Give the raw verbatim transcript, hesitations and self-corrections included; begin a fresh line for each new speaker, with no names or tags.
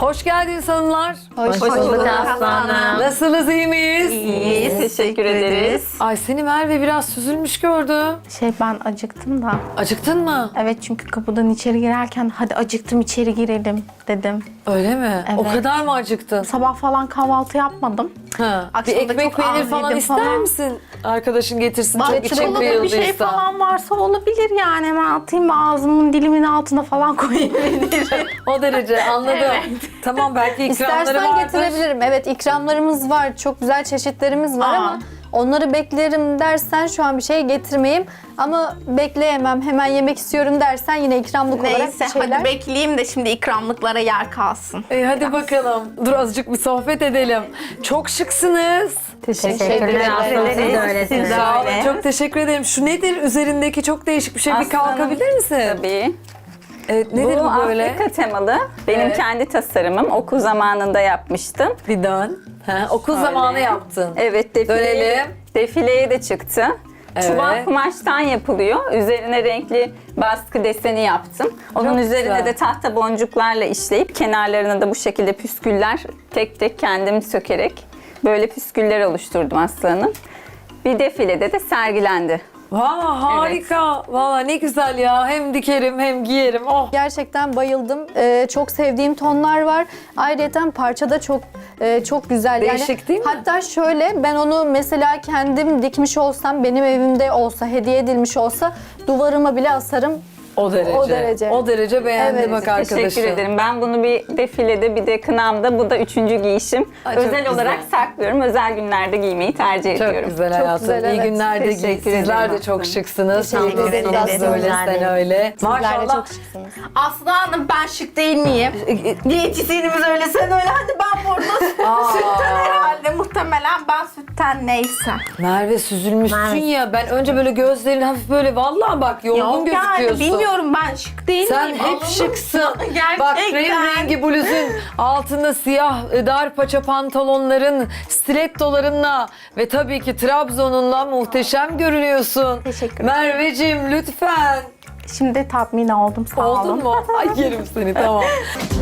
Hoş geldiniz hanımlar.
Hoş,
Hoş bulduk aslanım.
Nasılsınız, iyi miyiz?
İyiyiz, teşekkür ederiz.
Ay seni Merve biraz süzülmüş gördüm.
Şey ben acıktım da.
Acıktın mı?
Evet çünkü kapıdan içeri girerken hadi acıktım içeri girelim dedim.
Öyle mi? O
Evet.
kadar mı acıktın?
Sabah falan kahvaltı yapmadım.
Ha. Bir
Akşam da
ekmek
çok
peynir
az
falan
yedim
ister
falan.
misin? Arkadaşın getirsin çok için
Çikolata bir şey
kıyıldıysa.
falan varsa olabilir yani. Hemen atayım ve ağzımın dilimin altına falan koyabilirim.
O derece anladım.
Evet.
Tamam belki ikramları
İstersen
vardır.
getirebilirim. Evet, ikramlarımız var. Çok güzel çeşitlerimiz var
Aa.
ama onları beklerim dersen şu an bir şey getirmeyeyim. Ama bekleyemem, hemen yemek istiyorum dersen yine ikramlık olarak
Neyse
bir şeyler.
hadi bekleyeyim de şimdi ikramlıklara yer kalsın.
E, hadi bakalım. Dur azıcık bir sohbet edelim. Çok şıksınız.
Teşekkürler aslanım. Siz de öylesiniz.
Sağ olun.
öyle.
Çok teşekkür ederim. Şu nedir üzerindeki çok değişik bir şey. Bir
Aslanım.
kalkabilir misin?
Tabii.
Evet, nedir bu,
bu
böyle?
Afrika temalı. Benim
Evet.
kendi tasarımım. Okul zamanında yapmıştım.
Bir dön. Ha, okul
Öyle.
zamanı yaptın.
Evet, defileye,
Dönelim.
defileye de çıktı.
Evet.
Çuval kumaştan yapılıyor. Üzerine renkli baskı deseni yaptım. Onun
Çok
üzerine
güzel.
de tahta boncuklarla işleyip kenarlarına da bu şekilde püsküller tek tek kendim sökerek böyle püsküller oluşturdum aslanım. Bir defilede de sergilendi.
Valla harika. Valla ne güzel ya. Hem dikerim hem giyerim. Oh.
Gerçekten bayıldım. Ee, çok sevdiğim tonlar var. Ayrıca parça da çok e, çok güzel.
Değişik değil mi?
Hatta şöyle ben onu mesela kendim dikmiş olsam, benim evimde olsa, hediye edilmiş olsa duvarıma bile asarım.
O derece.
O derece.
O derece beğendi
Evet,
bak arkadaşım.
Teşekkür ederim. Ben bunu bir defilede bir de kınamda, bu da üçüncü giyişim.
Ay, çok
özel
güzel.
olarak saklıyorum. Özel günlerde giymeyi tercih
Çok
ediyorum.
güzel
Çok
hayatım.
güzel,
İyi
evet.
günlerde giy.
Teşekkür
Sizler
ederim
de çok
aslında.
şıksınız.
Teşekkür
Şıksınız
ederiz.
böyle,
Güzel
sen
değil.
öyle.
Sizler de
Maşallah.
çok şıksınız.
Aslı Hanım ben şık değil miyim? Diyetisyenimiz öyle sen öyle hadi ben burada
Aa.
sütten herhalde muhtemelen ben sütten neyse.
Merve süzülmüşsün ya. Ben önce böyle gözlerin hafif böyle vallahi bak yorgun
Yok yani
gözüküyorsun.
bilmiyorum ben şık değil
Sen
miyim?
hep
Alındım.
şıksın.
Gerçekten.
Bak krem rengi bluzun, altında siyah e, dar paça pantolonların, stilettolarınla ve tabii ki Trabzon'unla muhteşem görünüyorsun.
Teşekkür ederim.
Merveciğim lütfen.
Şimdi tatmin oldum sağ olun.
Oldun mu? Ay yerim seni tamam.